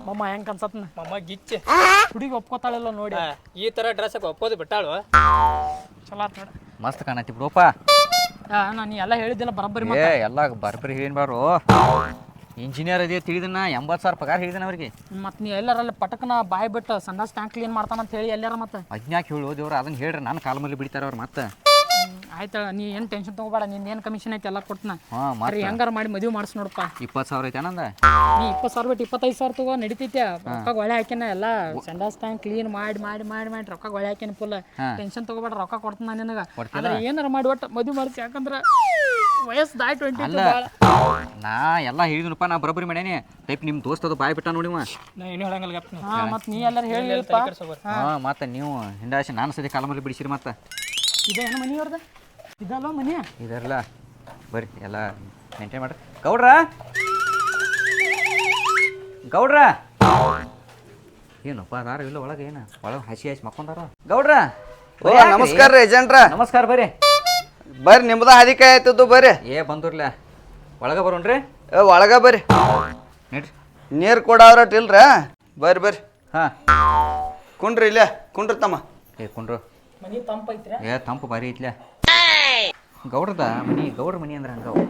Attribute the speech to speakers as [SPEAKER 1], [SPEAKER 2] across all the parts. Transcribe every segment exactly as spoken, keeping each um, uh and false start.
[SPEAKER 1] ಮಮ್ಮ ಹೆಂಗ್ ಅನ್ಸತ್ನ
[SPEAKER 2] ಮಮ್ಮ ಗಿಚ್ಚೆ
[SPEAKER 1] ಹುಡುಗಿ ಒಪ್ಕೋತಾಳಿಲ್ಲ ನೋಡಿ
[SPEAKER 2] ಈ ತರ ಡ್ರೆಸ್ ಒಪ್ಪೋದು ಬಿಟ್ಟಾಳು
[SPEAKER 1] ಚಲೋ ಆತ್ ನೋಡ
[SPEAKER 3] ಮಸ್ತ್ ಕಾಣತಿ ಬಿಡಪ್ಪ
[SPEAKER 1] ನಾನು ಎಲ್ಲ ಹೇಳಿದ್ದಿಲ್ಲ ಬರೋಬ್ಬರಿ
[SPEAKER 3] ಏ ಎಲ್ಲ ಬರ್ಬರಿ ಏನ್ ಬಾರು ಇಂಜಿನಿಯರ್ ಅದೇ ತಿಳಿದನ ಎಂಬತ್ತು ಸಾವಿರ ಪಗಾರ ಹೇಳಿದನ ಅವ್ರಿಗೆ
[SPEAKER 1] ಮತ್ತೆ ನೀ ಎಲ್ಲಾರಲ್ಲಿ ಪಟಕನ ಬಾಯ್ ಬಿಟ್ಟು ಸಂಡಾಸ್ ಟ್ಯಾಂಕ್ ಕ್ಲೀನ್ ಮಾಡ್ತಾನಂತ ಹೇಳಿ ಎಲ್ಲಾರ ಮತ್ತೆ
[SPEAKER 3] ಅಜ್ಞಾಕ್ ಹೇಳು ದೇವ್ರು ಅದನ್ನ ಹೇಳ್ರಿ ನನ್ನ ಕಾಲ ಮೇಲೆ ಬಿಡ್ತಾರ ಅವ್ರು ಮತ್ತೆ
[SPEAKER 1] ಆಯ್ತಾ ನೀ ಏನು ಟೆನ್ಷನ್ ತಗೋಬೇಡ ನಿನ್ ಏನು ಕಮಿಷನ್ ಐತಿ ಎಲ್ಲ ಕೊಡ್ತನ
[SPEAKER 3] ಹಾಂ ಮತ್ತೆ
[SPEAKER 1] ಹೆಂಗಾರ ಮಾಡಿ ಮದುವೆ ಮಾಡಿಸ್ ನೋಡಪ್ಪ
[SPEAKER 3] ಇಪ್ಪತ್ತು ಸಾವಿರ ಐತೆ ನಂದ
[SPEAKER 1] ನೀ ಇಪ್ಪತ್ತು ಸಾವಿರ ಬಿಟ್ಟು ಇಪ್ಪತ್ತೈದು ಸಾವಿರ ತಗೋ ನಡಿತೈತೆ ರೊಕ್ಕ ಒಳ್ಳೆ ಹಾಕ್ಯಾನ ಎಲ್ಲ ಸಂಡಾಸ್ ಟ್ಯಾಂಕ್ ಕ್ಲೀನ್ ಮಾಡಿ ಮಾಡಿ ಮಾಡಿ ಮಾಡಿ ರೊಕ್ಕ ಒಳ್ಳೆ ಹಾಕ್ಯಾನ ಫುಲ್ ಟೆನ್ಷನ್ ತಗೋಬೇಡ ರೊಕ್ಕ ಕೊಡ್ತಾನ ನಿನಗೆ ಆದ್ರೆ ಏನಾರ ಮಾಡಿ ಒಟ್ಟು ಮದುವೆ ಮಾಡಿಸಿ ಯಾಕಂದ್ರೆ ವಯಸ್ಸು ದಾಯ್ ಟ್ವೆಂಟಿ
[SPEAKER 3] ಅಲ್ಲ ನಾ ಎಲ್ಲ ಹೇಳಿದ್ನಪ್ಪ ನಾ ಬರೋಬ್ಬರಿ ಮಾಡೇನಿ ಟೈಪ್ ನಿಮ್ಮ ದೋಸ್ತ ಅದು ಬಾಯ್ ಬಿಟ್ಟ ನೋಡಿವ
[SPEAKER 2] ನಾ ಏನು ಹೇಳಂಗಿಲ್ಲ
[SPEAKER 1] ಹಾಂ ಮತ್ತೆ ನೀ ಎಲ್ಲರೂ ಹೇಳಿಲ್ಪ
[SPEAKER 3] ಹಾಂ ಮತ್ತೆ ನೀವು ಹಿಂದಾಶಿ ನಾನು ಸದ್ಯ ಕಾಲ ಮೇಲೆ ಬಿಡಿಸಿರಿ ಮತ್ತೆ
[SPEAKER 1] ಇದೇನು ಮನೆಯವ್ರದ ಇದಲ್ವ ಮನೆ
[SPEAKER 3] ಇದರಲ್ಲ ಬರ್ರಿ ಎಲ್ಲ ಮೇಂಟೈನ್ ಮಾಡ್ರಿ ಗೌಡ್ರ ಗೌಡ್ರ ಏನಪ್ಪ ಅದಾರ ಇಲ್ಲ ಒಳಗೆ ಏನು ಒಳಗೆ ಹಸಿ ಹಸಿ ಮಕ್ಕೊಂದಾರ ಗೌಡ್ರ
[SPEAKER 4] ಓ ನಮಸ್ಕಾರ ರೀ ಏಜೆಂಟ್ರ
[SPEAKER 3] ನಮಸ್ಕಾರ ಬರ್ರಿ
[SPEAKER 4] ಬರ್ರಿ ನಿಮ್ದ ಹಾದಿಕೆ ಆಯ್ತದ್ದು ಬರ್ರಿ
[SPEAKER 3] ಏ ಬಂದ್ರಲ್ಲ ಒಳಗೆ ಬರೋಣ್ರಿ
[SPEAKER 4] ಏ ಒಳಗ ಬರ್ರಿ
[SPEAKER 3] ನಡ್ರಿ
[SPEAKER 4] ನೀರು ಕೊಡವ್ರಟ್ ಇಲ್ರ ಬರ್ರಿ ಬರ್ರಿ
[SPEAKER 3] ಹಾಂ
[SPEAKER 4] ಕುಂಡ್ರಿ ಇಲ್ಲೇ ಕುಂಡ್ರಿ ತಮ್ಮ
[SPEAKER 3] ಏ ಕುಂಡ್ರು
[SPEAKER 1] ಮನೆ ತಂಪೈತ್ರಿ
[SPEAKER 3] ಏ ತಂಪು ಬಾರಿ ಐತ್ಲ ಗೌಡ್ರದ ಮನಿ ಗೌಡ್ರ ಮನಿ ಅಂದ್ರೆ ಹಂಗ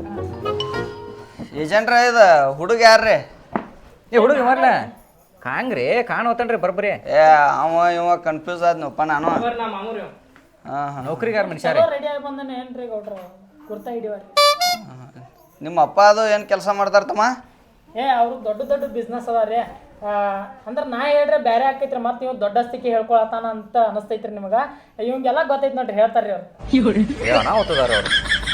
[SPEAKER 4] ಏಜೆಂಟ್ರ ಇದು ಹುಡುಗ ಯಾರ್ರಿ
[SPEAKER 3] ಏ ಹುಡುಗ ಮರ್ಲ ಕಾಂಗ್ರಿ ಕಾಣೋತನ್ರಿ ಬರ್ಬರಿ
[SPEAKER 4] ಏ ಅವ ಇವ ಕನ್ಫ್ಯೂಸ್ ಆದ್ನಪ್ಪ ನಾನು
[SPEAKER 2] ನಾ ಮಾಮೂರಿ
[SPEAKER 4] ಹಾಂ ಹಾಂ
[SPEAKER 3] ನೌಕರಿಗಾರ ಮನುಷ್ಯ
[SPEAKER 1] ರೆಡಿ ಆಗಿ ಬಂದಾನೆ ಏನ್ರಿ ಗೌಡ್ರ ಕುರ್ತಾ ಹಿಡಿವಾರಿ
[SPEAKER 4] ನಿಮ್ಮ ಅಪ್ಪ ಅದು ಏನು ಕೆಲಸ ಮಾಡ್ತಾರ ತಮ್ಮ
[SPEAKER 1] ಏ ಅವ್ರು ದೊಡ್ಡ ದೊಡ್ಡ ಬಿಸ್ನೆಸ್ ಅದ ರೀ ಅಂದ್ರೆ ನಾ ಹೇಳ್ರೆ ಬೇರೆ ಆಕೈತ್ರಿ ಮತ್ತೆ ನೀವು ದೊಡ್ಡಸ್ತಿಕೆ ಹೇಳ್ಕೊಳತಾನ ಅಂತ ಅನಿಸ್ತೈತ್ರಿ ನಿಮಗೆ ಇವಂಗೆಲ್ಲ ಗೊತ್ತೈತಿ ನೋಡ್ರಿ ಹೇಳ್ತಾರ್ರಿ ಅವ್ರು
[SPEAKER 3] ನಾವು ಓದ್ತದಾರ ಅವರು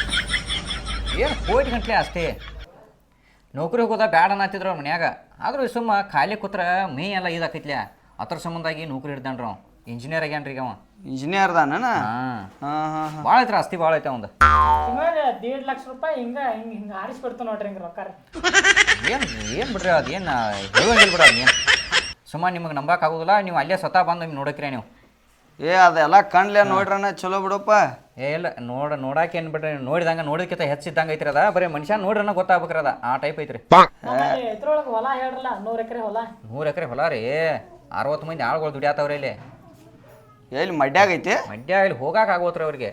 [SPEAKER 3] ಏನು ಕೋಟಿ ಗಂಟ್ಲೆ ಅಷ್ಟೇ ನೌಕರಿ ಹೋಗೋದ ಬ್ಯಾಡ ಅನ್ನತ್ತಿದ್ರು ಅವ್ರ ಮನ್ಯಾಗ ಆದ್ರೂ ಸುಮ್ಮ ಖಾಲಿ ಕೂತ್ರ ಮೇ ಎಲ್ಲ ಇದಾಕೈತ್ಲ ಅದ್ರ ಸಂಬಂಧಾಗಿ ನೌಕರಿ ಹಿಡ್ದಾನ್ರಿ ಅವ ಇಂಜಿನಿಯರ್ ಆಗ್ಯಾನ್ರಿ ಈಗ ಅವ
[SPEAKER 4] ಇಂಜಿನಿಯರ್ ದಾನ
[SPEAKER 3] ಹಾಂ
[SPEAKER 4] ಹಾಂ ಹಾಂ ಹಾಂ
[SPEAKER 3] ಭಾಳ ಐತ್ರಿ ಆಸ್ತಿ ಭಾಳ ಐತೆ ಅವಂದು
[SPEAKER 1] ತಿಂಗಳಿಗೆ ದೇಡ್ ಲಕ್ಷ ರೂಪಾಯಿ ಹಿಂಗ ಹಿಂಗೆ ಹಿಂಗೆ ಆರಿಸ್ಬಿಡ್ತು ನೋಡ್ರಿ ಹಿಂಗೆ ರೊಕ್ಕ
[SPEAKER 3] ಏನು ಏನು ಬಿಡ್ರಿ ಅದೇನು ಹೇಳಂಗಿಲ್ಲ ಬಿಡ ಅದೇನು ಸುಮ್ಮ ನಿಮಗೆ ನಂಬಕ್ಕಾಗೋದಿಲ್ಲ ನೀವು ಅಲ್ಲೇ ಸ್ವತಃ ಬಂದು ನಿಮ್ಗೆ ನೋಡಕ್ರಿ ನೀವು
[SPEAKER 4] ಏ ಅದೆಲ್ಲ ಕಣ್ಲೆ ನೋಡ್ರಣ್ಣ ಚಲೋ ಬಿಡಪ್ಪ
[SPEAKER 3] ಏ ಇಲ್ಲ ನೋಡ ನೋಡಾಕೆ ಏನು ಬಿಡ್ರಿ ನೋಡಿದಂಗೆ ನೋಡಿದ್ಕಿಂತ ಹೆಚ್ಚಿದ್ದಂಗೆ ಐತ್ರಿ ಅದ ಬರೀ ಮನುಷ್ಯ ನೋಡ್ರನ್ನ ಗೊತ್ತಾಗ್ಬೇಕ್ರಿ ಅದ ಆ ಟೈಪ್ ಐತ್ರಿ
[SPEAKER 1] ಇದ್ರೊಳಗೆ ಹೊಲ ಹೇಳ್ರಲ್ಲ ನೂರು ಎಕರೆ ಹೊಲ
[SPEAKER 3] ನೂರು ಎಕರೆ ಹೊಲ ರೀ ಅರವತ್ತು ಮಂದಿ ಆಳುಗಳು ದುಡಿಯಾತವ್ರಿ ಇಲ್ಲಿ
[SPEAKER 4] ಎಲ್ಲಿ ಮಡ್ಯಾಗ ಐತಿ
[SPEAKER 3] ಮಂಡ್ಯ ಇಲ್ಲಿ ಹೋಗಾಕ ಆಗೋತ್ರಿ ಅವ್ರಿಗೆ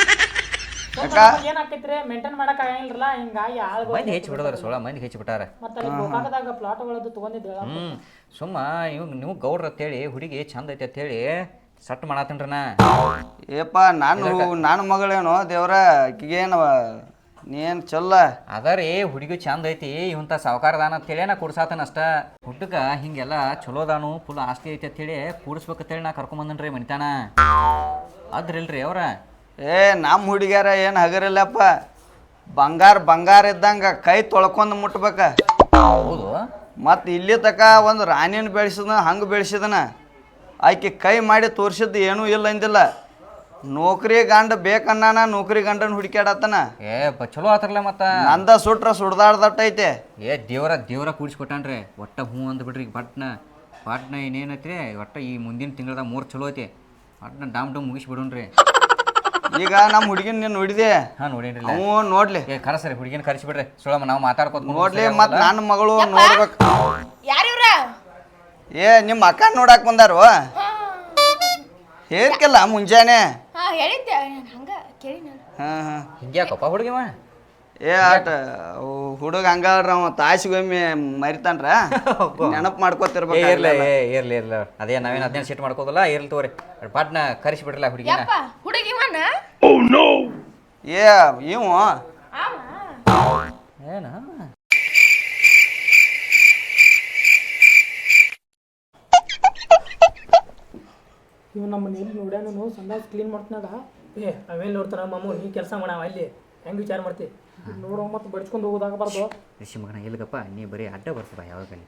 [SPEAKER 1] ಏನಾಕೈತ್ರಿ ಮೇಂಟೈನ್ ಮಾಡಕ್ ಆಗಂಗಿಲ್ಲ ಹಿಂಗಾಗಿ ಆಳ್ಗಳು
[SPEAKER 3] ಮಂದಿ ಹೆಚ್ಚು ಬಿಡೋದ್ರ ಸೋಳ ಮಂದಿ ಹೆಚ್ಚು ಬಿಟ್ಟಾರ
[SPEAKER 1] ಮತ್ತೆ ಅಲ್ಲಿ ಗೋಕಾಕದಾಗ ಪ್ಲಾಟ್ಗಳದ್ದು ತಗೊಂಡಿದ್ದೆ
[SPEAKER 3] ಹ್ಞೂ ಸುಮ್ಮ ಇವ್ ನೀವು ಗೌಡ್ರ ಅಂತೇಳಿ ಹುಡುಗಿ ಚಂದ ಐತೆ ಅಂತೇಳಿ ಸಟ್ ಮಾಡತ್ತನ್ರಿ ನಾ
[SPEAKER 4] ಏಪ್ಪ ನಾನು ನನ್ನ ಮಗಳೇನು ದೇವ್ರ ಆಕಿಗೇನು ನೀನು ಚೊಲ್ಲ
[SPEAKER 3] ಅದ ರೀ ಹುಡುಗಿ ಚಂದ ಐತಿ ಇವಂತ ಸಾವುಕಾರದಾನ ಅಂತೇಳಿ ನಾ ಕುಡ್ಸಾತನ ಅಷ್ಟ ಹುಡುಗ ಹಿಂಗೆಲ್ಲ ಚಲೋದಾನು ಫುಲ್ ಆಸ್ತಿ ಐತಿ ಅಂತೇಳಿ ಕೂಡಿಸ್ಬೇಕಂತೇಳಿ ನಾ ಕರ್ಕೊಂಬಂದನ್ರಿ ಮನಿತಾನ ಅದ್ರಿಲ್ರಿ ಅವ್ರ
[SPEAKER 4] ಏ ನಮ್ಮ ಹುಡುಗ್ಯಾರ ಏನು ಹಗರಿಲ್ಲಪ್ಪ ಬಂಗಾರ ಬಂಗಾರ ಇದ್ದಂಗೆ ಕೈ ತೊಳ್ಕೊಂಡು ಮುಟ್ಬೇಕ
[SPEAKER 3] ಹೌದು
[SPEAKER 4] ಮತ್ತು ಇಲ್ಲಿ ತಕ ಒಂದು ರಾಣಿನ ಬೆಳೆಸಿದನ ಹಂಗೆ ಬೆಳೆಸಿದನ ಆಕೆ ಕೈ ಮಾಡಿ ತೋರಿಸಿದ್ದು ಏನೂ ಇಲ್ಲ ಅಂದಿಲ್ಲ ನೌಕರಿ ಗಂಡ ಬೇಕನ್ನಾನ ನೌಕರಿ ಗಂಡನ ಹುಡುಕ್ಯಾಡತ್ತನ
[SPEAKER 3] ಏ ಬ ಚಲೋ ಆತ್ರಲ್ಲ ಮತ್ತ
[SPEAKER 4] ನಂದ ಸುಟ್ರ ಸುಡ್ದಾಡ್ದಟ್ಟೈತೆ
[SPEAKER 3] ಏ ದೇವ್ರ ದೇವ್ರ ಕೂಡಿಸ್ಕೊಟ್ಟಾನ್ರಿ ಒಟ್ಟ ಹ್ಞೂ ಅಂದ್ಬಿಡ್ರಿ ಈಗ ಪಟ್ನ ಪಟ್ನ ಇನ್ನೇನೈತ್ರಿ ಒಟ್ಟ ಈ ಮುಂದಿನ ತಿಂಗಳದಾಗ ಮೂರು ಚಲೋ ಐತಿ ಪಟ್ನ ಡಾಮ್ ಡಮ್ ಮುಗಿಸ್ಬಿಡೋಣ್ರಿ
[SPEAKER 4] ಈಗ ನಮ್ಮ ಹುಡುಗಿನ ನೀನು ನೋಡಿದೆ
[SPEAKER 3] ಹಾಂ ನೋಡೇನ್ರಿ
[SPEAKER 4] ಅವು ನೋಡ್ಲಿ
[SPEAKER 3] ಏ ಕರಸ್ರಿ ಹುಡುಗಿನ ಕರೆಸಿಬಿಡ್ರಿ ಸುಳಮ್ಮ ನಾವು ಮಾತಾಡ್ಕೊತ
[SPEAKER 4] ನೋಡ್ಲಿ ಮತ್ತು ನನ್ನ ಮಗಳು ನೋಡ್ಬೇಕು
[SPEAKER 5] ಯಾರಿವ್ರ
[SPEAKER 4] ಏ ನಿಮ್ಮ ಅಕ್ಕ ನೋಡಕ್ ಬಂದಾರು ಹೇಳ್ಕಲ್ಲ ಮುಂಜಾನೆ
[SPEAKER 5] ಹಾ ಹೇಳಿದ್ದೆ ಹಂಗ ಕೇಳಿ ನಾನು
[SPEAKER 4] ಹಾಂ ಹಾಂ
[SPEAKER 3] ಹಿಂಗ್ಯಾಕಪ್ಪ ಹುಡುಗಿವ
[SPEAKER 4] ಏ ಆಟ ಹುಡುಗ ಹಂಗಾರ ಅವ ತಾಸಿಗೊಮ್ಮೆ ಮರಿತಾನ್ರ ನೆನಪು ಮಾಡ್ಕೋತಿರ್ಬೇಕು
[SPEAKER 3] ಇರ್ಲಿ ಏ ಇರ್ಲಿ ಇರ್ಲಿ ಅದೇ ನಾವೇನು ಹದಿನೈದು ಸೀಟ್ ಮಾಡ್ಕೋದಲ್ಲ ಇರ್ಲಿ ತಗೋರಿ ಪಾಟ್ನ ಕರೆಸಿಬಿಡ್ರಲ್ಲ ಹುಡುಗಿನ
[SPEAKER 5] ಯಪ್ಪ ಹುಡುಗಿ ಮನ
[SPEAKER 4] ಏ ಇವು
[SPEAKER 3] ಏನ
[SPEAKER 1] ಇವ್ ನಮ್ಮ ಮನೇಲಿ ನೋಡ್ಯಾನು ಸಂಡಾಸ್ ಕ್ಲೀನ್ ಮಾಡ್ತಾನಾಗ
[SPEAKER 2] ಏ ಅವೇನು ನೋಡ್ತಾರ ಮಾಮು ನೀ ಕೆಲಸ ಮಾಡವ ಅಲ್ಲಿ ಹೆಂಗೆ ವಿಚಾರ ಮಾಡ್ತಿ
[SPEAKER 1] ನೋಡೋ ಮತ್ತೆ ಬಡ್ಸ್ಕೊಂಡು ಹೋಗೋದಾಗಬಾರ್ದು
[SPEAKER 3] ಋಷಿ ಮಗನ ಇಲ್ಗಪ್ಪ ನೀ ಬರೀ ಅಡ್ಡ ಬರ್ತಪ್ಪ ಯಾವಾಗಲಿ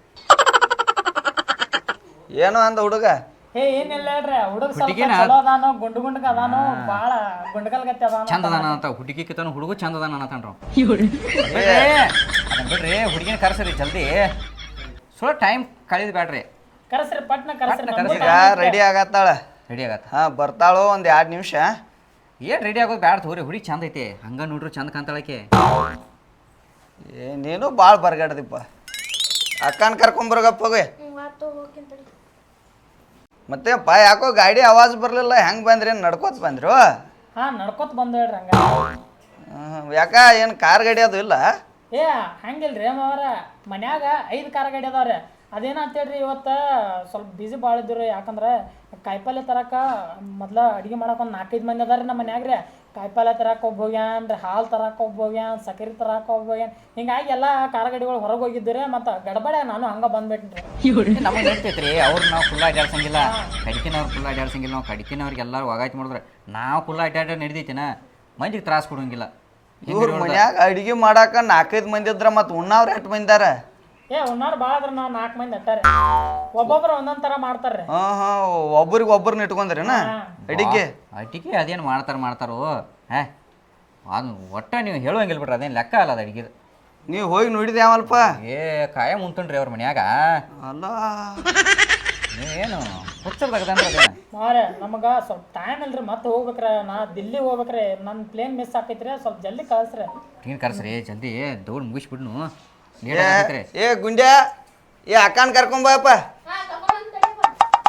[SPEAKER 4] ಏನೋ ಅಂದ ಹುಡುಗ
[SPEAKER 1] ಏ ಏನಿಲ್ಲ ಹೇಳ್ರಿ ಹುಡುಗ ಸ್ವಲ್ಪ ಚಲೋ ಅದಾನೋ ಗುಂಡು ಗುಂಡಗ ಅದಾನೋ ಭಾಳ ಗುಂಡಗಲ್ಗತ್ತೆ ಅದಾನೋ
[SPEAKER 3] ಚಂದ ಅದಾನ ಅಂತ ಹುಡುಗಿ ಕಿತ್ತನು ಹುಡುಗ ಚಂದ ಅದಾನ ಅನ್ನತಾನ್ರ ಅದನ್ನ ಬಿಡ್ರಿ ಹುಡುಗಿನ ಕರ್ಸರಿ ಜಲ್ದಿ ಸ್ವಲ್ಪ ಟೈಮ್ ಕಳೀದ್ ಬ್ಯಾಡ್ರಿ
[SPEAKER 1] ಕರೆಸ್ರಿ ಪಟ್ನ ಕರೆಸ್ರಿ
[SPEAKER 4] ಈಗ ರೆಡಿ ಆಗತ್ತಾಳ
[SPEAKER 3] ರೆಡಿ ಆಗತ್ತ
[SPEAKER 4] ಹಾಂ ಬರ್ತಾಳು ಒಂದು ಎರಡು ನಿಮಿಷ
[SPEAKER 3] ಏನು ರೆಡಿ ಆಗೋದು ಬ್ಯಾಡ ತಗೋರಿ ಹುಡುಗಿ ಚಂದ ಐತೆ ಹಂಗ ನೋಡ್ರಿ ಚಂದ ಕಾಣ್ತಾಳಕ್ಕೆ
[SPEAKER 4] ಏ ನೀನು ಭಾಳ ಬರ್ಗಾಡ್ದಿಪ್ಪ ಅಕ್ಕನ ಕರ್ಕೊಂಬರ್ಗಪ್ಪ ಹೋಗಿ
[SPEAKER 5] ಹ್ಞೂ ಆತು ಹೋಗ್ತೀನಿ ತಡಿ.
[SPEAKER 4] ಮತ್ತೆ ಪಾ ಯಾಕೋ ಗಾಡಿ ಆವಾಜ್ ಬರಲಿಲ್ಲ ಹೆಂಗೆ ಬಂದ್ರಿ ನಡ್ಕೋತ ಬಂದ್ರು
[SPEAKER 1] ಹಾ ನಡ್ಕೊತ ಬಂದ ಹೇಳ್ರಿ ಹಂಗ
[SPEAKER 4] ಹ್ಮ್, ಯಾಕ ಏನು ಕಾರ್ ಗಾಡಿ ಅದು ಇಲ್ಲ
[SPEAKER 1] ಏ ಹಂಗಿಲ್ರಿ ಮಾವರ ಮನ್ಯಾಗ ಐದು ಕಾರ ಗಾಡಿ ಅದಾವ್ರಿ ಅದೇನಂತ ಹೇಳ್ರಿ ಇವತ್ತು ಸ್ವಲ್ಪ ಬಿಸಿ ಭಾಳ ಇದ್ರಿ ಯಾಕಂದ್ರೆ ಕಾಯಿಪಲ್ಲೆ ತರಕ ಮೊದ್ಲ ಅಡುಗೆ ಮಾಡಕ್ಕೆ ಒಂದು ನಾಲ್ಕೈದು ಮಂದಿ ಅದಾರ ನಮ್ಮ ಮನ್ಯಾಗ ರೀ ಕಾಯಿಪಲ್ಲೆ ತರಕ್ಕೆ ಒಬ್ಬ ಹೋಗ್ಯಾನ ರೀ ಹಾಲು ತರಕ್ಕೆ ಒಬ್ಬ ಹೋಗ್ಯಾನ ಸಕ್ಕರೆ ತರಕ್ಕೆ ಒಬ್ಬ ಹೋಗ್ಯಾನ ಹಿಂಗಾಗಿ ಎಲ್ಲ ಕಾರ ಗಾಡಿಗಳು ಹೊರಗೆ ಹೋಗಿದ್ದೀರಿ ಮತ್ತು ಗಡಬಡೆ ನಾನು ಹಂಗೆ ಬಂದ್ಬಿಟ್ರಿ
[SPEAKER 3] ನಮಗೆ ನಡಿತೈತ್ರಿ ಅವ್ರು ನಾವು ಫುಲ್ ಅಡ್ಡಾಡ್ಸಂಗಿಲ್ಲ ಕಡಿಕಿನವ್ರು ಫುಲ್ ಅಡ್ಡಾಡ್ಸಂಗಿಲ್ಲ ನಾವು ಕಡಿಕಿನವ್ರಿಗೆ ಎಲ್ಲರೂ ಒಗಾಯ್ತು ಮಾಡಿದ್ರೆ ನಾವು ಫುಲ್ ಅಡ್ಡಾಡ ನಡಿದೈತಿನ ಮಂದಿಗೆ ತ್ರಾಸ ಕೊಡೋಂಗಿಲ್ಲ
[SPEAKER 4] ಇವ್ರ ಮನ್ಯಾಗ ಅಡಿಗೆ ಮಾಡಾಕ ನಾಲ್ಕೈದು ಮಂದಿ ಇದ್ರ ಮತ್ತು ಉಣ್ಣವ್ರು ಎಷ್ಟು ಮಂದಿದಾರ
[SPEAKER 1] ಏ ಉಣ್ಣಾರು ಭಾಳ ಅದ್ರ ನಾವು ನಾಲ್ಕು ಮಂದಿ ಅಟ್ಟಾರೆ ಒಬ್ಬೊಬ್ರು ಒಂದೊಂದು ಥರ ಮಾಡ್ತಾರೆ
[SPEAKER 4] ಹಾಂ ಹಾಂ ಒಬ್ರಿಗೆ ಒಬ್ರನ್ನ ಇಟ್ಕೊಂಡ್ರೇನ ಅಡಿಗೆ
[SPEAKER 3] ಅಟ್ಟಿಗೆ ಅದೇನು ಮಾಡ್ತಾರೆ ಮಾಡ್ತಾರೋ ಹೇ ಅದು ಒಟ್ಟ ನೀವು ಹೇಳುವಂಗಿಲ್ಲ ಬಿಡ್ರಿ ಅದೇನು ಲೆಕ್ಕ ಅಲ್ಲ ಅದು ಅಡಿಗೆ
[SPEAKER 4] ನೀವು ಹೋಗಿ ನೋಡಿದೆ ಯಾವಲ್ಪ
[SPEAKER 3] ಏ ಕಾಯ ಮುಂತಣ್ರಿ ಅವ್ರ ಮನ್ಯಾಗ
[SPEAKER 4] ಅಲ್ಲ
[SPEAKER 3] ನೀವೇನು ಹುಚ್ಚರ್ದಾಗದಂದ್ರೆ ಅದೇನು
[SPEAKER 1] ಮಾರೆ ನಮಗೆ ಸ್ವಲ್ಪ ಟೈಮ್ ಇಲ್ರಿ ಮತ್ತೆ ಹೋಗ್ಬೇಕ್ರೆ ನಾ ದಿಲ್ಲಿ ಹೋಗ್ಬೇಕ್ರೆ ನನ್ನ ಪ್ಲೇನ್ ಮಿಸ್ ಆಕೈತ್ರಿ ಸ್ವಲ್ಪ ಜಲ್ದಿ ಕಳಿಸ್ರಿ
[SPEAKER 3] ನೀನು ಕರ್ಸ್ರಿ ಜಲ್ದಿ ದೌಡ್ ಮುಗಿಸ್ಬಿಡ್ನು
[SPEAKER 4] ಏ
[SPEAKER 3] ಲೇಟ್ ಆಗೈತ್ರಿ
[SPEAKER 4] ಏ ಗುಂಡ್ಯಾ ಏ ಅಕ್ಕನ ಕರ್ಕೊಂಬಪ್ಪ
[SPEAKER 5] ಹಾಂ ಕರ್ಕೊಂಡು ತಡಿಯಪ್ಪ.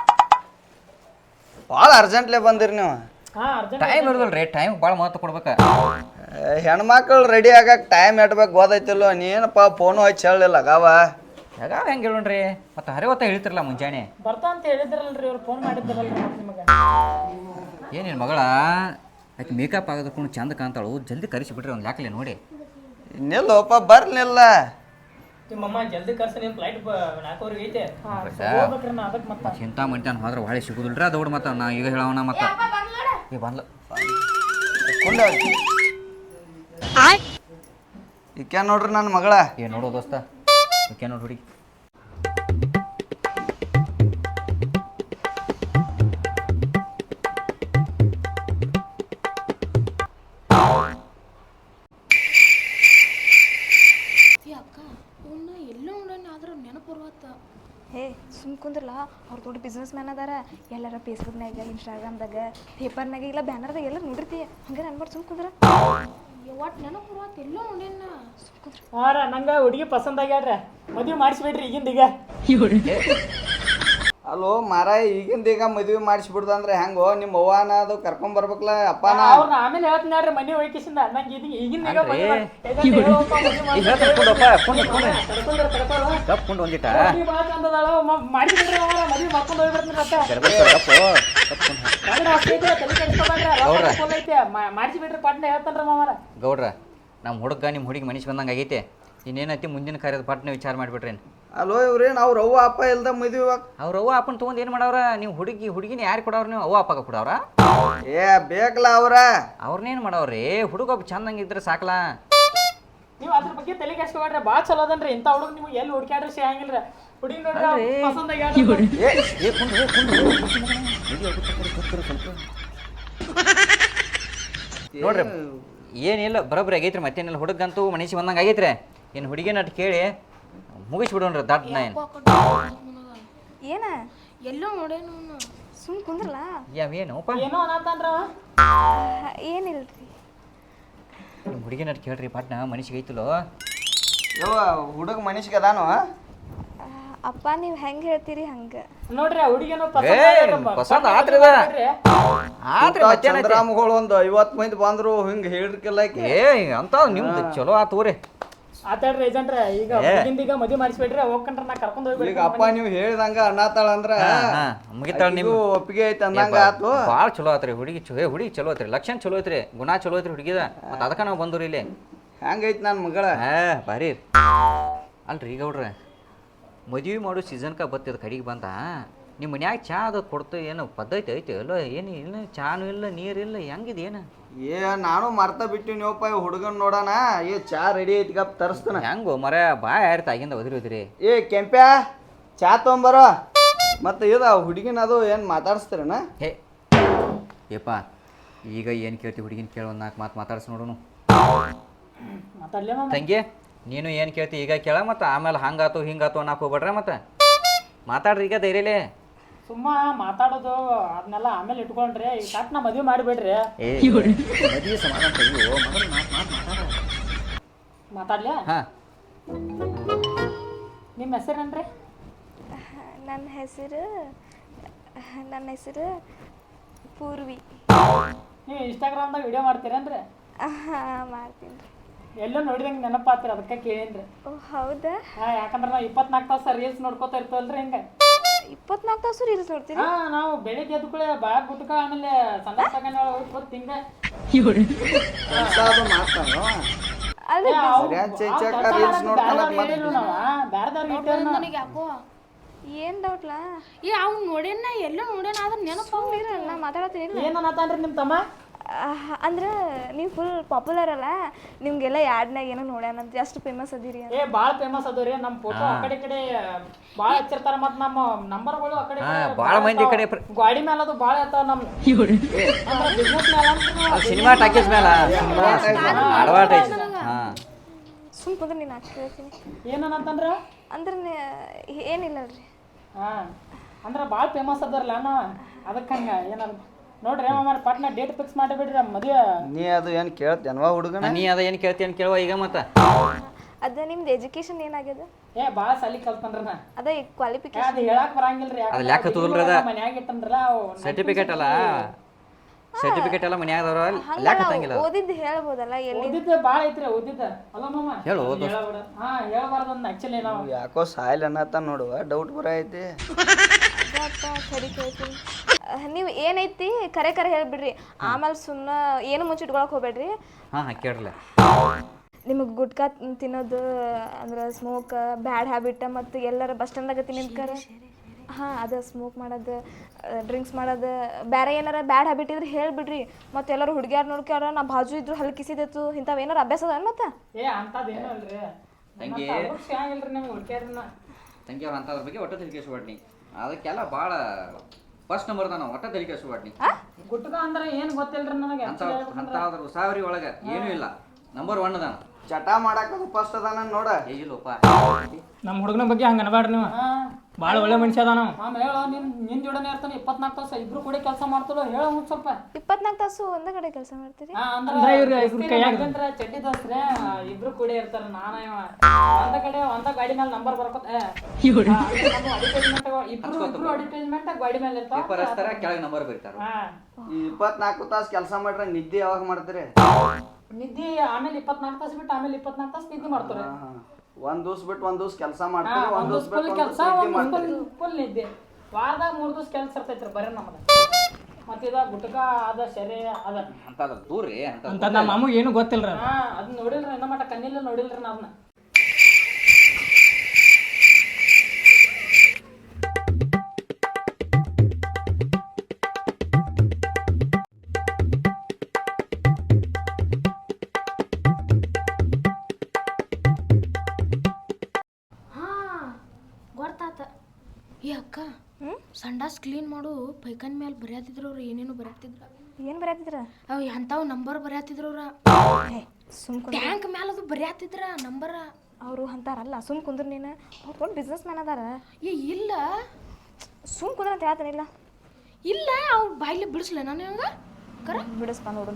[SPEAKER 4] ಭಾಳ ಅರ್ಜೆಂಟ್ಲೇ ಬಂದಿರಿ ನೀವು
[SPEAKER 1] ಹಾಂ ಅರ್ಜೆಂಟ್
[SPEAKER 3] ಟೈಮ್ ಇರೋದಲ್ಲ ರೀ ಟೈಮ್ ಭಾಳ ಮಹತ್ವ ಕೊಡ್ಬೇಕು
[SPEAKER 4] ಏ, ಹೆಣ್ಮಕ್ಳು ರೆಡಿ ಆಗಕ್ಕೆ ಟೈಮ್ ಎಟ್ಬೇಕು ಗೊತ್ತೈತಿಲ್ಲೋ ನೀನಪ್ಪ ಫೋನು ಹಚ್ಚಿ ಹೇಳಲಿಲ್ಲ ಗಾವ
[SPEAKER 3] ಯಾಗ ಹೆಂಗೆ ಹೇಳೋಣ್ರಿ ಮತ್ತು ಹರಿವತ್ತ ಹೇಳ್ತಿರಲ್ಲ ಮುಂಜಾನೆ
[SPEAKER 1] ಬರ್ತಾ ಅಂತ ಹೇಳಿದ್ರಲ್ರಿ ಇವ್ರು ಫೋನ್ ಮಾಡಿದ್ರಲ್ರಿ ಮತ್ತೆ ನಿಮಗೆ
[SPEAKER 3] ಏನೇನು ಮಗಳ ಆಕೆ ಮೇಕಪ್ ಆಗೋದಕ್ಕೂ ಚಂದ ಕಾಣ್ತಾಳು ಜಲ್ದಿ ಕರೆಸಿ ಬಿಡ್ರಿ ಒಂದು ಲಾಕಲೆ ನೋಡಿ
[SPEAKER 4] ಇನ್ನಿಲ್ಲೋಪ ಬರ್ಲಿಲ್ಲ
[SPEAKER 2] ನಿಮ್ಮಮ್ಮ ಜಲ್ದಿ ಕರ್ಸಿ ನಿಮ್ಮ ಫ್ಲೈಟ್ ನಾಲ್ಕೂವರೆಗೆ ಐತೆ
[SPEAKER 1] ಹೋಗ್ಬೇಕ್ರಿ ನಾ ಅದಕ್ಕೆ ಮತ್ತೆ
[SPEAKER 3] ಚಿಂತ ಮಂಟಾನ ಹೋದ್ರೆ ಹೊಳೆ ಸಿಗುದಿಲ್ರಿ ದೌಡ್ ಮತ್ತೆ ನಾ ಈಗ ಹೇಳೋಣ ಮತ್ತೆ
[SPEAKER 5] ಅಪ್ಪ ಬಂದ್ಲೋಡ.
[SPEAKER 3] ಏ ಬಂದ್ಲ
[SPEAKER 4] ಈಕೆ ನೋಡ್ರಿ ನನ್ನ ಮಗಳ
[SPEAKER 3] ಏ ನೋಡೋ ದೋಸ್ತ ಓಕೆ ನೋಡಿ ಹುಡುಗಿ
[SPEAKER 5] ಏ ಅಕ್ಕ ಇವನ್ನ ಎಲ್ಲೋ ನೋಡೋಣ ಆದ್ರೆ ನೆನಪು ಬರುವತ್ತ.
[SPEAKER 6] ಹೇ ಸುಮ್ ಕುಂದ್ರಲ್ಲ ಅವ್ರು ದೊಡ್ಡ ಬಿಸ್ನೆಸ್ ಮ್ಯಾನ್ ಅದಾರ ಎಲ್ಲಾರ ಫೇಸ್ಬುಕ್ನಾಗ ಇನ್ಸ್ಟಾಗ್ರಾಮ್ದಾಗ ಪೇಪರ್ನಾಗ ಇಲ್ಲ ಬ್ಯಾನರ್ದಾಗ ಎಲ್ಲ ನೋಡಿರ್ತೀಯ ಹಂಗಾರೆ ಅನ್ಬಾರ್ದು ಸುಮ್ ಕುಂದ್ರ
[SPEAKER 5] ಒಟ್ಟು ನೆನಪು ಬರುವತ್ತ ಎಲ್ಲೋ ನೋಡೇನ.
[SPEAKER 1] ಹಾರ ನಂಗೆ ಹುಡುಗಿ ಪಸಂದ್ ಆಗ್ಯಾಡ್ರಿ ಮದುವೆ ಮಾಡಿಸ್ಬಿಡ್ರಿ ಈಗಿಂದ ಈಗ
[SPEAKER 4] ಅಲ್ಲೋ ಮಾರಾಯ ಈಗಿಂದ ಈಗ ಮದುವೆ ಮಾಡಿಸ್ಬಿಡ್ದು ಅಂದ್ರೆ ಹೆಂಗೋ ನಿಮ್ಮ ಅವ್ವನ ಅದು ಕರ್ಕೊಂಡ್ ಬರ್ಬೇಕಲ್ಲ ಅಪ್ಪನ
[SPEAKER 1] ಅವ್ರನ್ನ ಆಮೇಲೆ ಹೇಳ್ತೀನಿ ನೋಡ್ರಿ ಮನೆ ಹೋಯ್ಕಿಸಿಂದ ನಂಗೆ ಇದು ಈಗಿಂದ ಈಗ
[SPEAKER 3] ಅಲ್ರಿ.
[SPEAKER 1] ಮದುವೆ ಮಾಡಿ- ಏಕಂದ್ರೆ ಹೇಳೋಪ್ಪ ಮದುವೆ ಮಾಡಿ- ಕರ್ಕೊಂಡ್ರೆ ಕರ್ಕೊಳ್ಳೋ.
[SPEAKER 3] ಕಪ್ಕೊಂಡು ಒಂದಿಟ
[SPEAKER 1] ಹುಡುಗಿ ಭಾಳ ಚಂದ ಅದಾಳ, ಮ- ಮಾಡಿಸ್ಬಿಡ್ರಿ ಅವ್ರ ಮದುವೆ ಮಾಡ್ಕೊಂಡು ಹೋಗ್ಬಿಡ್ತೀನಿ ರೊಕ್ಕ
[SPEAKER 3] ಕಪ್ಪು
[SPEAKER 1] ಕನ್ನಡ ಅಷ್ಟೇ ಐತೆ, ತಲೆ ಕೆಡಿಸ್ಕೊಬೇಡ್ರಿ, ರೊಕ್ಕ full ಐತೆ. ಮಾ- ಮಾಡಿಸ್ಬಿಡ್ರಿ ಪಟ್ನೆ ಹೇಳ್ತಾನ್ರಿ ಮಾಮಾರ
[SPEAKER 3] ಗೌಡ್ರ ನಮ್ಮ ಹುಡುಗ ನಿಮ್ಮ ಹುಡುಗಿ ಮನುಷ್ಯ ಬಂದಂಗೆ ಆಗೈತೆ ಇನ್ನೇನೈತಿ ಮುಂದಿನ ಕಾರ್ಯದ ಪಟ್ನೆ ವಿಚಾರ ಮಾಡಿಬಿಟ್ರೇನು
[SPEAKER 4] ಅಲ್ಲೋ ಇವ್ರೇನು ಅವ್ರ ಅವ್ವ ಅಪ್ಪ ಇಲ್ದ ಮದುವೆ
[SPEAKER 3] ಅವ್ರ ಅವ್ವ ಅಪ್ಪನ ತೊಗೊಂಡು ಏನು ಮಾಡವ್ರ ನೀವು ಹುಡುಗಿ ಹುಡುಗಿನ ಯಾರು ಕೊಡವ್ರ ನೀವು ಅವ್ವ ಅಪ್ಪಗ ಕೊಡವ್ರ
[SPEAKER 4] ಏ ಬೇಕಲ್ಲ ಅವ್ರ
[SPEAKER 3] ಅವ್ರನ್ನೇನು ಮಾಡವ್ರಿ ಹುಡುಗ ಒಬ್ಬ ಚಂದಂಗೆ ಇದ್ರೆ ಸಾಕಲ್ಲ
[SPEAKER 1] ನೀವು ಅದ್ರ ಬಗ್ಗೆ ತಲೆ ಕೆಡಿಸ್ಕೊಬೇಡ್ರಿ ಭಾಳ ಚಲೋ ಅದನ್ರಿ ಇಂಥ ಹುಡುಗ ನಿಮ್ಗೆ ಎಲ್ಲಿ ಹುಡ್ಕ್ಯಾಡ್ರಿ ಸಿಗಂಗಿಲ್ರಿ ಹುಡುಗಿ ನೋಡ್ರಿ
[SPEAKER 3] ಅಲ್ರಿ.
[SPEAKER 1] ಪಸಂದ್ ಆಗ್ಯಾಡ್ರಿ.
[SPEAKER 3] ಏ ಏ ಕುಂಡ್ರು, ಏ ಕುಂಡ್ರು. ಹುಡುಗಿ ಒಬ್ಬ ತಗೊಳ್ಳಿ, ಗೊತ್ತಿರೋ ಸ್ವಲ್ಪ. ನೋಡ್ರಿ ಏನಿಲ್ಲ ಬರೋಬ್ಬರಿ ಆಗೈತ್ರಿ ಮತ್ತೇನಿಲ್ಲ ಹುಡುಗಂತೂ ಮನುಷ್ಯ ಬಂದಂಗೆ ಆಗೈತ್ರಿ ಏನು ಹುಡುಗಿನ ಅಟ್ ಕೇಳಿ ಮುಗಿಸ್ಬಿಡೋಣ್ರಿ ದಟ್ ಏನು
[SPEAKER 6] ಏನ
[SPEAKER 5] ಎಲ್ಲೋ ನೋಡೇನು ಅವ್ನ.
[SPEAKER 6] ಸುಮ್ ಕುಂದ್ರಲ್ಲ
[SPEAKER 3] ಯಾವೇನೋಪ್ಪ
[SPEAKER 1] ಏನೋ ಅನ್ನತಾನ್ರಿ ಅವ.
[SPEAKER 6] ಏನಿಲ್ರಿ
[SPEAKER 3] ನಿಮ್ಮ ಹುಡುಗಿನ ಅಟ್ ಕೇಳ್ರಿ ಪಟ್ನ ಮನುಷ್ಯ ಐತಿಲೋ
[SPEAKER 4] ಯವ್ವ ಹುಡುಗ ಮನುಷ್ಯಗೆ ಅದಾನು
[SPEAKER 6] ಆ, ಅಪ್ಪ ನೀವು ಹೆಂಗೆ ಹೇಳ್ತೀರಿ ಹಂಗೆ
[SPEAKER 1] ನೋಡ್ರಿ ಆ ಹುಡುಗಿನೂ
[SPEAKER 3] ಏ
[SPEAKER 1] ಪಸಂದ್ ಆಗ್ಯಾಡ್ರಿ.
[SPEAKER 3] ಪಸಂದ್ ಆತ್ರಿ ಅದ.
[SPEAKER 1] ನೋಡ್ರಿ.
[SPEAKER 3] ಆತ್ರಿ ಮತ್ತೇನೈತಿ
[SPEAKER 4] ಚಂದ್ರಾಮಗಳು ಒಂದು ಐವತ್ತು ಮಂದಿ ಬಂದ್ರು ಹಿಂಗೆ ಹೇಳಿರ್ಕಿಲ್ಲ
[SPEAKER 3] ಏ ಅಂತ ನಿಮ್ದು ಚಲೋ ಆತೂರಿ
[SPEAKER 1] ಆತಾಡ್ರಿ ಏಜೆಂಟ್ರ ಈಗ ಹುಡುಗಿಂದ ಈಗ ಮದುವೆ ಮಾಡಿಸ್ಬಿಡ್ರಿ ಹೋಗ್ಕಂಡ್ರ ನಾ ಕರ್ಕೊಂಡು
[SPEAKER 4] ಈಗ
[SPEAKER 1] ಹೋಗ್ಬಿಡ್ರಿ
[SPEAKER 4] ಅಪ್ಪ ನೀವು ಹೇಳಿದಂಗ ಅಣ್ಣಾತಾಳ ಅಂದ್ರ
[SPEAKER 3] ಮುಗಿತಾಳ
[SPEAKER 4] ಆಕಿಗೂ
[SPEAKER 3] ನಿಮ್ಮ
[SPEAKER 4] ಒಪ್ಪಿಗೆ ಐತೆ ಅಂದಂಗ ಆತು
[SPEAKER 3] ಭಾಳ ಚಲೋ ಆತ್ರಿ ಹುಡುಗಿ ಚಲೋ ಹುಡುಗಿ ಚಲೋ ಐತ್ರಿ ಲಕ್ಷಣ ಚಲೋ ಐತ್ರಿ ಗುಣ ಚಲೋ ಐತ್ರಿ ಹುಡುಗಿದ ಮತ್ತು ಅದಕ್ಕೆ ನಾವು ಬಂದವ್ರಿ ಇಲ್ಲಿ
[SPEAKER 4] ಹೆಂಗೈತಿ ನನ್ನ ಮಗಳ
[SPEAKER 3] ಹಾ ಭಾರಿ ಅಲ್ರಿ ಗೌಡ್ರ ಮದುವೆ ಮಾಡೋ ಸೀಸನ್ಕ ಬತ್ತಿದ ಕಡೆಗೆ ಬಂದ ನಿಮ್ಮ ಮನ್ಯಾಗ ಚಾ ಅದು ಕೊಡ್ತು ಏನು ಪದ್ಧತಿ ಐತಿ ಅಲ್ಲೋ ಏನು ಇಲ್ಲ ಚಾನು ಇಲ್ಲ ನೀರಿಲ್ಲ ಹೆಂಗಿದೆ ಏನು
[SPEAKER 4] ಏ ನಾನು ಮರ್ತ ಬಿಟ್ಟಿನಿವಪ್ಪ ಹುಡುಗನ್ ನೋಡೋಣ ಏ ಚಾ ರೆಡಿ ಐತಿ ಗಪ್ ತರಿಸ್ತಾನ
[SPEAKER 3] ಹೆಂಗೋ ಮರ ಬಾ ಯಾರ್ತ ಆಗಿಂದ ಒದ್ರಿ ಒದ್ರಿ
[SPEAKER 4] ಏ ಕೆಂಪ್ಯಾ ಚಾ ತೊಂಬರೋ ಮತ್ತೆ ಇದು ಹುಡುಗಿನ ಅದು ಏನು ಮಾತಾಡಿಸ್ತೀರನ
[SPEAKER 3] ಹೇ ಏಪ್ಪ ಈಗ ಏನು ಕೇಳ್ತಿ ಹುಡುಗಿನ ಕೇಳೋ ಒಂದು ನಾಲ್ಕು ಮಾತು ಮಾತಾಡ್ಸಿ ನೋಡೋನು
[SPEAKER 1] ಮಾತಾಡ್ಲೇ ಮಾಮ.
[SPEAKER 3] ತಂಗಿ ನೀನು ಏನು ಕೇಳ್ತಿ ಈಗ ಕೇಳ ಮತ್ತು ಆಮೇಲೆ ಹಂಗಾತು ಹಿಂಗಾತು ಅನ್ನಕ್ಕೆ ಹೋಗ್ಬೇಡ್ರೆ ಮತ್ತು ಮಾತಾಡ್ರಿ ಈಗ ಧೈರ್ಯಲೇ
[SPEAKER 1] ಸುಮ್ಮ ಮಾತಾಡೋದು ಅದನ್ನೆಲ್ಲ ಆಮೇಲೆ ಇಟ್ಕೊಂಡ್ರಿ ಈಗ ಕಟ್ ನಾ ಮದುವೆ ಮಾಡಿಬಿಡ್ರಿ
[SPEAKER 3] ಏ ಮದುವೆ ಸಮಾಧಾನ ತೆಗಿಯೋ ಮೊದಲು ನಾಲ್ಕು ಮಾತು ಮಾತಾಡ
[SPEAKER 1] ಮಾತಾಡ್ಲೇ
[SPEAKER 3] ಹಾಂ
[SPEAKER 1] ನಿಮ್ಮ ಹೆಸರೇನ್ರಿ?
[SPEAKER 6] ನನ್ನ ಹೆಸರು ನನ್ನ ಹೆಸರು ಪೂರ್ವಿ.
[SPEAKER 1] ನೀವು ಇನ್ಸ್ಟಾಗ್ರಾಮ್ದಾಗ ವಿಡಿಯೋ ಮಾಡ್ತೀರೇನ್ರಿ?
[SPEAKER 6] ಹಾಂ ಮಾಡ್ತೀನಿ ರೀ.
[SPEAKER 1] ಎಲ್ಲೋ ನೋಡಿದಂಗೆ ನೆನಪಾತ್ರಿ, ಅದಕ್ಕೆ ಕೇಳೇನ್ರಿ.
[SPEAKER 6] ಓ ಹೌದಾ?
[SPEAKER 1] ಹಾಂ, ಯಾಕಂದ್ರೆ ನಾವು ಇಪ್ಪತ್ನಾಲ್ಕು ತಾಸು ರೀಲ್ಸ್ ನೋಡ್ಕೋತಾ ಇರ್ತವಲ್ರಿ ಹಿಂಗೆ.
[SPEAKER 6] ಇಪ್ಪತ್ನಾಲ್ಕು ತಾಸು ರೀಲ್ಸ್ ನೋಡ್ತೀರಿ?
[SPEAKER 1] ಹಾಂ, ನಾವು ಬೆಳಿಗ್ಗೆ ಎದ್ದು ಕೂಡ ಬಾಳ ಗುಟ್ಕ ಆಮೇಲೆ ಸಂದಾಸ್ ತಗೊಂಡು ಹೋಗ್ಬೋದು ಹಿಂಗೆ.
[SPEAKER 4] ಅದು ಮಾಡ್ತಾನೋ
[SPEAKER 6] ಅದೇ
[SPEAKER 4] ಸರಿಯಾದ ಚೈಚಾಕ ರೀಲ್ಸ್ ನೋಡ್ತಾನಲ್ಲ ಮತ್ತೆ.
[SPEAKER 1] ಬೇರೆದವ್ರಿಗೆ ಇಟ್ಟೇವ್ ನಾವು.
[SPEAKER 5] ನನಗೆ ಯಾಕೋ
[SPEAKER 6] ಏನು ಡೌಟ್ಲಾ?
[SPEAKER 5] ಏ ಅವ್ನು ನೋಡೇನ ಎಲ್ಲೋ ನೋಡೇನ ಆದ್ರೆ ನೆನಪು
[SPEAKER 6] ನಾ ಮಾತಾಡತ್ತೀನಿ.
[SPEAKER 1] ಏನು ಅನ್ನತಾನ್ರಿ ನಿಮ್ಮ ತಮ್ಮ?
[SPEAKER 6] ಅಂದ್ರೆ ನೀವು ಫುಲ್ ಪಾಪ್ಯುಲರ್ ಅಲ್ಲ, ನಿಮ್ಗೆಲ್ಲ ಯಾಡ್ನಾಗ ಏನೋ ನೋಡ್ಯಾನಂತ ಅಷ್ಟು ಫೇಮಸ್ ಅದೀರಿ ಅಂತ.
[SPEAKER 1] ಏ ಭಾಳ ಫೇಮಸ್ ಅದು ರೀ. ನಮ್ಮ ಫೋಟೋ ಆ ಕಡೆ ಈ ಕಡೆ ಭಾಳ ಹಚ್ಚಿರ್ತಾರ, ಮತ್ತು ನಮ್ಮ ನಂಬರ್ಗಳು ಆ ಕಡೆ ಈ ಕಡೆ
[SPEAKER 3] ಭಾಳ ಮಂದಿ ಕಡೆ ಪ್ರ-
[SPEAKER 1] ಗಾಡಿ ಮೇಲೆ ಅದು ಭಾಳ ಇರ್ತಾವ. ನಮ್ಮ ಬಿಸ್ನೆಸ್ ಮೇಲೆ
[SPEAKER 3] ಸಿನಿಮಾ ಟಾಕೀಸ್ ಮೇಲೆ ಅಡ್ವರ್ಟೈಸ್. ಹಾಂ,
[SPEAKER 6] ಸುಮ್ ಕುಂದ್ರೆ ನೀನು ಹಾಕಿ ಕೇಳ್ತೀನಿ.
[SPEAKER 1] ಏನಂತಂದ್ರ
[SPEAKER 6] ಅಂದ್ರೆ ಏನಿಲ್ಲ ರೀ.
[SPEAKER 1] ಹಾಂ, ಅಂದ್ರೆ ಭಾಳ ಫೇಮಸ್ ಅದರಲ್ಲ ನಾವು ಅದಕ್ಕೆ ಹಂಗೆ ಏನಾದ್ರು ನೋಡ್ರಿ ಮಾಮಾರ ಪಟ್ನ ಡೇಟ್ ಫಿಕ್ಸ್ ಮಾಡಿಬಿಡ್ರಿ ಮದುವೆ.
[SPEAKER 4] ನೀ ಅದು ಏನು ಕೇಳ್ತೇನವಾ ಹುಡುಗನ?
[SPEAKER 3] ನೀ ಅದ ಏನು ಕೇಳ್ತಿ ಅಂತ ಕೇಳುವ ಈಗ ಮತ್ತೆ.
[SPEAKER 6] ಅದ ನಿಮ್ದು ಎಜುಕೇಶನ್ ಏನಾಗ್ಯದ?
[SPEAKER 1] ಏ ಭಾಳ ಸಾಲಿ ಕಲ್ತನ್ರಿ ನಾ.
[SPEAKER 6] ಅದ ಕ್ವಾಲಿಫಿಕೇಶನ್
[SPEAKER 1] ಅದು ಹೇಳಕ್ ಬರಂಗಿಲ್ರಿ.
[SPEAKER 3] ಅದು ಲೆಕ್ಕ ತಗೋಲ್ರಿ ಅದ.
[SPEAKER 1] ಮನ್ಯಾಗ ಇಟ್ಟನ್ರಲ್ಲ ಅವು
[SPEAKER 3] ಸರ್ಟಿಫಿಕೇಟ್ ಅಲ್ಲ, ಸರ್ಟಿಫಿಕೇಟ್ ಎಲ್ಲ ಮನ್ಯಾಗದವ್ರ ಲೆಕ್ಕ ತಂಗಿಲ್ಲ.
[SPEAKER 6] ಓದಿದ್ದು ಹೇಳ್ಬೋದಲ್ಲ ಎಲ್ಲಿ?
[SPEAKER 1] ಓದಿದ್ದು ಭಾಳ ಐತ್ರಿ ಓದಿದ್ದ. ಅಲ್ಲ ಮಾಮ
[SPEAKER 3] ಹೇಳು ಓದು.
[SPEAKER 1] ಹಾ ಹೇಳ್ಬಾರ್ದು ಅಂದ್ ಆಕ್ಚುಲಿ ನಾವು.
[SPEAKER 4] ಯಾಕೋ ಸಾಯಿಲ್ ಅನ್ನತ್ತ ನೋಡುವ ಡೌಟ್ ಬರ ಐತಿ.
[SPEAKER 6] ಅಪ್ಪ ಸರಿ ಕೇಳ್ತೀನಿ. ನೀವು ಏನೈತಿ ಕರೆ ಕರೆ ಹೇಳ್ಬಿಡ್ರಿ, ಆಮೇಲೆ ಸುಮ್ಮನೆ ಏನು ಮುಚ್ಚಿ ಇಟ್ಕೊಳಕ್ ಹೋಗ್ಬೇಡ್ರಿ.
[SPEAKER 3] ಹಾಂ ಹಾಂ ಕೇಳಲ್ಲ.
[SPEAKER 6] ನಿಮಗೆ ಗುಟ್ಕಾ ತಿನ್ನೋದು ಅಂದ್ರೆ ಸ್ಮೋಕ್ ಬ್ಯಾಡ್ ಹ್ಯಾಬಿಟ್, ಮತ್ತು ಎಲ್ಲರ ಬಸ್ ಸ್ಟ್ಯಾಂಡ್ದಾಗ ತಿನ್ನಿದ್ಕರ ಹಾಂ ಅದು ಸ್ಮೋಕ್ ಮಾಡೋದು, ಡ್ರಿಂಕ್ಸ್ ಮಾಡೋದು, ಬೇರೆ ಏನಾರ ಬ್ಯಾಡ್ ಹ್ಯಾಬಿಟ್ ಇದ್ರೆ ಹೇಳ್ಬಿಡ್ರಿ. ಮತ್ತು ಎಲ್ಲರೂ ಹುಡುಗಿಯಾರು ನೋಡ್ಕ್ಯಾರ ನಾ ಬಾಜು ಇದ್ರು ಹಲ್ ಕಿಸಿದತ್ತು ಇಂಥವು ಏನಾರು ಅಭ್ಯಾಸ ಅದ ಮತ್ತೆ?
[SPEAKER 1] ಏ ಅಂತದ್ ಏನೋ ಅಲ್ರಿ
[SPEAKER 3] ತಂಗಿ
[SPEAKER 1] ಆಗಿಲ್ರಿ ನಿಮ್ಗೆ ಹುಡ್ಕ್ಯಾರನ್ನ.
[SPEAKER 3] ತಂಗಿ ಅವ್ರ ಅಂಥದ್ರ ಬಗ್ಗೆ ಒಟ್ಟು ತಿಳ್ಕಿಸ್ಬಿಡ್ನಿ. ಅದಕ್ಕೆಲ್ಲ ಭಾಳ ಫಸ್ಟ್ ನಂಬರ್ದ ನಾವು ಒಟ್ಟ ತಿಳ್ಕಿಸ್ಬಿಡ್ನಿ.
[SPEAKER 1] ಗುಟ್ಕ ಅಂದ್ರೆ ಏನು ಗೊತ್ತಿಲ್ರಿ ನನಗೆ.
[SPEAKER 3] ಅಂತ ಅಂಥದ್ರ ಉಸಾವರಿ ಒಳಗೆ ಏನೂ ಇಲ್ಲ, ನಂಬರ್ ಒನ್ ಅದಾನ.
[SPEAKER 4] ಚಟ ಮಾಡಾಕದು ಫಸ್ಟ್ ಅದಾನ ನೋಡ.
[SPEAKER 3] ಹೇಗಿಲ್ಲಪ್ಪ
[SPEAKER 2] ನಮ್ಮ ಹುಡುಗನ ಬಗ್ಗೆ ಹಂಗೆ ಅನ್ಬೇಡ್ರಿ ನೀವು. ಭಾಳ ಒಳ್ಳೆ ಮನುಷ್ಯ ಅದ ನಾವು.
[SPEAKER 1] ಮಾಮ ಹೇಳೋ ನಿನ್ ನಿನ್ ಜೋಡನೆ ಇರ್ತಾನೆ ಇಪ್ಪತ್ನಾಲ್ಕು ತಾಸು ಇಬ್ರು ಕೂಡ ಕೆಲಸ ಮಾಡ್ತಲೋ ಹೇಳೋ ಒಂದ್ ಸ್ವಲ್ಪ.
[SPEAKER 6] ಇಪ್ಪತ್ನಾಲ್ಕು ತಾಸು ಒಂದೇ ಕಡೆ ಕೆಲಸ ಮಾಡ್ತೀರಿ?
[SPEAKER 1] ಹಾ, ಅಂದ್ರ
[SPEAKER 2] ಅಂದ್ರೆ ಇವ್ರು ಇವ್ರ ಕೈಯಾಗ
[SPEAKER 1] ಅಂದ್ರೆ ಚಡ್ಡಿ ದೋಸ್ತ್ರೆ ಇಬ್ರು ಕೂಡ ಇರ್ತಾರ. ನಾನ ಇವ ಒಂದ ಕಡೆ ಒಂದ ಗಾಡಿ ಮೇಲೆ ನಂಬರ್ ಬರ್ಕೋತ ಅಡ್ವರ್ಟೈಸ್ಮೆಂಟ್ ಇಬ್ರು ಇಬ್ರು ಅಡ್ವರ್ಟೈಸ್ಮೆಂಟ್ ಗಾಡಿ ಮೇಲೆ ಇರ್ತಾವ.
[SPEAKER 3] ಪೇಪರ್ ಹಚ್ತಾರ, ಕೆಳಗೆ ನಂಬರ್ ಬರೀತಾರ.
[SPEAKER 1] ಹಾ,
[SPEAKER 4] ಈ ಇಪ್ಪತ್ನಾಲ್ಕು ತಾಸು ಕೆಲಸ ಮಾಡ್ರೆ ನಿದ್ದೆ ಯಾವಾಗ ಮಾಡ್ತೀರಿ?
[SPEAKER 1] ನಿದ್ದಿ ಆಮೇಲೆ ಇಪ್ಪತ್ನಾಲ್ಕು ತಾಸು ಬಿಟ್ಟು ಆಮೇಲೆ ಇಪ್ಪತ್ನಾಲ್ಕು ತಾಸು ನಿದ್ದೆ ಮಾಡ್ತಾರೆ.
[SPEAKER 4] ಒಂದ್ ದಿವ್ಸ ಬಿಟ್ಟು ಒಂದ್ ದಿವ್ಸ ಕೆಲಸ ಮಾಡ್ತೀರಿ, ಒಂದ್
[SPEAKER 1] ಒಂದ್
[SPEAKER 4] ದಿವ್ಸ
[SPEAKER 1] ಫುಲ್
[SPEAKER 4] ಬಿಟ್ಟು
[SPEAKER 1] ಕೆಲಸ
[SPEAKER 4] ಒಂದ್ ದಿವ್ಸ ನಿದ್ದೆ ಮಾಡ್ತೀರಿ.
[SPEAKER 1] ಫುಲ್ ನಿದ್ದೆ. ವಾರದಾಗ ಮೂರ್ ದಿವ್ಸ ಕೆಲಸ ಇರ್ತೈತ್ರಿ ಬರೀ ನಮ್ದು. ಮತ್ತ ಇದ ಗುಟ್ಕ ಅದ ಶರಿ ಅದ
[SPEAKER 3] ಅಂತದ್ರ ದೂರ ರೀ ಅಂತ
[SPEAKER 2] ಅಂತ ನಮ್ಮ ಮಾಮೂಗೆ ಏನು ಗೊತ್ತಿಲ್ರ.
[SPEAKER 1] ಹಾ, ಅದನ್ನ ನೋಡಿಲ್ರಿ ಇನ್ನ ಮಟ್ಟ ಕಣ್ಣಿಲ್ಲ ನೋಡಿಲ್ರಿ ನಾ ಅದನ್ನ.
[SPEAKER 5] ಹಾ ಗೊತ್ತಾತ. ಏ ಅಕ್ಕ, ಸಂಡಾಸ್ ಕ್ಲೀನ್ ಮಾಡು ಪೈಖಾನೆ ಮೇಲೆ ಬರೆಯತ್ತಿದ್ರು ಅವ್ರು, ಏನೇನು ಬರೆಯತ್ತಿದ್ರ.
[SPEAKER 6] ಏನು ಬರೆಯತ್ತಿದ್ರ?
[SPEAKER 5] ಅವ್ ಅಂಥವು ನಂಬರ್ ಬರೆಯತ್ತಿದ್ರು ಅವ್ರ.
[SPEAKER 6] ಸುಮ್
[SPEAKER 5] ಟ್ಯಾಂಕ್ ಮೇಲೆ ಅದು ಬರೆಯತ್ತಿದ್ರ ನಂಬರ.
[SPEAKER 6] ಅವರು ಅಂತಾರಲ್ಲ, ಸುಮ್ ಕುಂದ್ರ ನೀನು. ಅವ್ರು ದೊಡ್ಡ ಬಿಸ್ನೆಸ್ ಮ್ಯಾನ್ ಅದಾರ.
[SPEAKER 5] ಏ ಇಲ್ಲ
[SPEAKER 6] ಸುಮ್ ಕುಂದ್ರ ಅಂತ ಹೇಳ್ತಾನಿಲ್ಲ.
[SPEAKER 5] ಇಲ್ಲ ಅವ್ರ ಬಾಯ್ಲಿ ಬಿಡಿಸ್ಲ ನಾನು ಹಂಗ ಕರ
[SPEAKER 6] ಬಿಡಿಸ್ಪ ನೋಡು.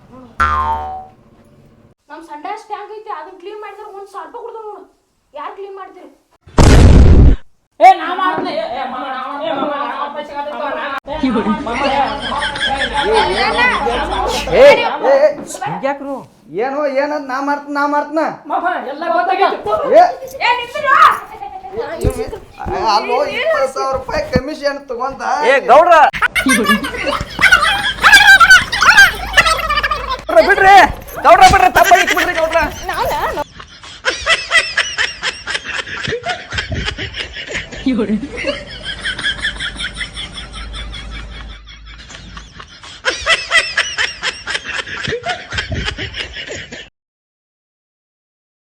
[SPEAKER 5] ನಮ್ಮ ಸಂಡಾಸ್ ಟ್ಯಾಂಕ್ ಐತಿ, ಅದನ್ನ ಕ್ಲೀನ್ ಮಾಡಿದ್ರೆ ಒಂದು ಸಾವಿರ ರೂಪಾಯಿ ಕೊಡ್ತಾವ ನೋಡು. ಯಾರು ಕ್ಲೀನ್ ಮಾಡ್ತೀರಿ?
[SPEAKER 1] ಏ ನಾ ಮಾಡ್ತೀನಿ. ಏ ಏ ಮಾಮ ನಾ ಮಾಡ್ತೀನಿ. ಮಾಮ ನಾ ಪೈಸೆ ಕಾದಿತ್ತು. ಮಾಮ
[SPEAKER 3] ಹಿಂಗ್ಯಾಕ್ರು
[SPEAKER 4] ಏನೋ ಏನದ್ ನಾ ಮಾಡ್ತೀನಿ ನಾ ಮಾಡ್ತೀನ.
[SPEAKER 1] ಮಾಮ ಎಲ್ಲ ಗೊತ್ತಾಗಿತ್ತು.
[SPEAKER 4] ಏ ಅಲ್ಲೋ ಇಪ್ಪತ್ತು ಸಾವಿರ ರೂಪಾಯಿ ಕಮಿಷನ್ ತಗೊಂತ.
[SPEAKER 3] ಏ ಗೌಡ್ರ ಬಿಡ್ರಿ, ಗೌಡ್ರ ಬಿಡ್ರಿ, ತಪ್ಪ ಬಿಡ್ರಿ ಗೌಡ್ರ.
[SPEAKER 6] ನಾನು